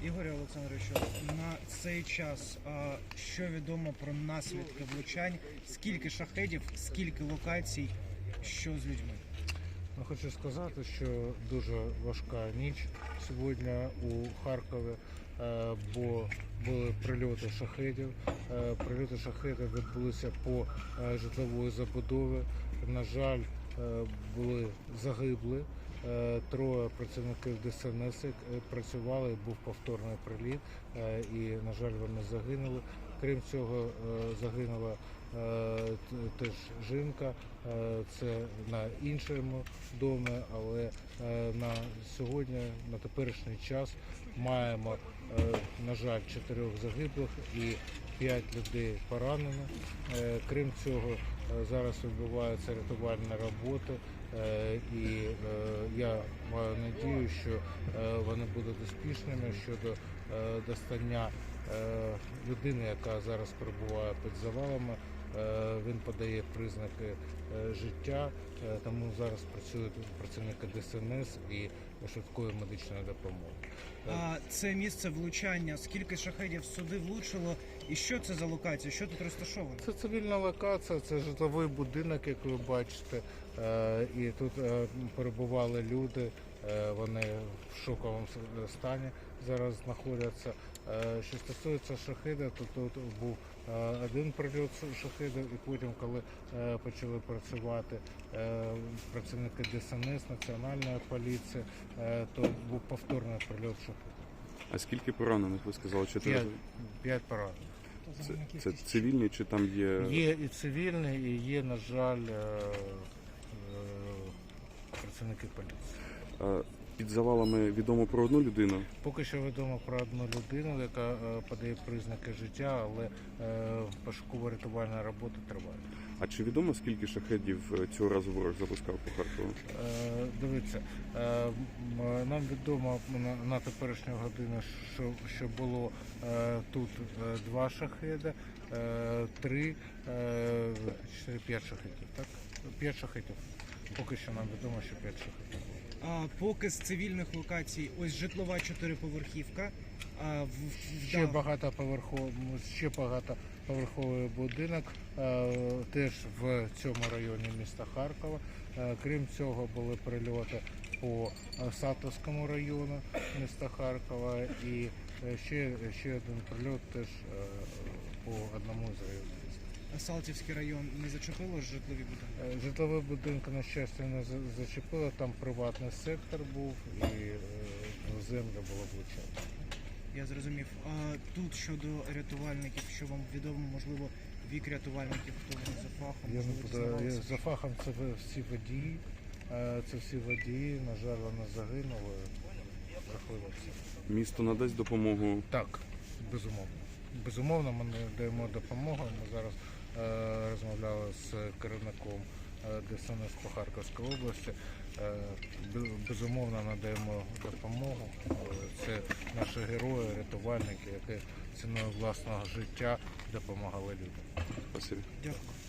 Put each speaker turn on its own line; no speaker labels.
Ігорю Олександровичу, на цей час що відомо про наслідки влучань? Скільки шахедів, скільки локацій, що з людьми?
Хочу сказати, що дуже важка ніч сьогодні у Харкові, бо були прильоти шахедів. Прильоти шахедів відбулися по житловій забудові. На жаль, були загибли. Троє працівників ДСНС працювали, був повторний приліт і, на жаль, вони загинули. Крім цього, загинула теж жінка, це на іншому домі, але на сьогодні, на теперішній час маємо, на жаль, 4 загиблих і 5 людей поранені. Крім цього, зараз відбуваються рятувальні роботи, і я маю надію, що вони будуть успішними щодо достання людини, яка зараз перебуває під завалами. Він подає признаки життя, тому зараз працюють працівники ДСНС і швидкої медичної допомоги.
Це місце влучання, скільки шахедів сюди влучило і що це за локація, що тут розташовано?
Це цивільна локація, це житловий будинок, як ви бачите, і тут перебували люди, вони в шоковому стані зараз знаходяться. Що стосується шахеда, то тут був один прильот шахеда, і потім, коли почали працювати працівники ДСНС, Національної поліції, то був повторний прильот шахеда.
А скільки поранених, ви сказали?
5 поранених.
Це цивільні чи там є?
Є і цивільні, і є, на жаль, працівники поліції.
Під завалами відомо про одну людину?
Поки що відомо про одну людину, яка подає признаки життя, але пошуково-рятувальна робота триває.
А чи відомо, скільки шахедів цього разу ворог запускав по Харкову?
Дивіться, нам відомо на теперішню годину, що було тут 2 шахеди, 3, 4, 5 шахедів, так? 5 шахедів. Поки що нам відомо, що 5 шахедів.
Поки з цивільних локацій, ось житлова 4-поверхівка.
Ще багатоповерховий будинок, теж в цьому районі міста Харкова. Крім цього, були прильоти по Сатовському району міста Харкова і ще один прильот теж по одному з районів.
Салтівський район не зачепило житлові будинки?
Житлові будинки, на щастя, не зачепило, там приватний сектор був і земля була влучена.
Я зрозумів. А тут щодо рятувальників, що вам відомо, можливо, вік рятувальників, хто вони за фахом?
Я не буду, за фахом це всі водії, на жаль, вони загинули. Жахливо все.
Місто надасть допомогу?
Так, безумовно. Безумовно, ми надаємо допомогу. Ми зараз розмовляли з керівником ДСНС по Харківській області. Безумовно, надаємо допомогу. Це наші герої, рятувальники, які ціною власного життя допомагали людям.
Спасибі.
Дякую.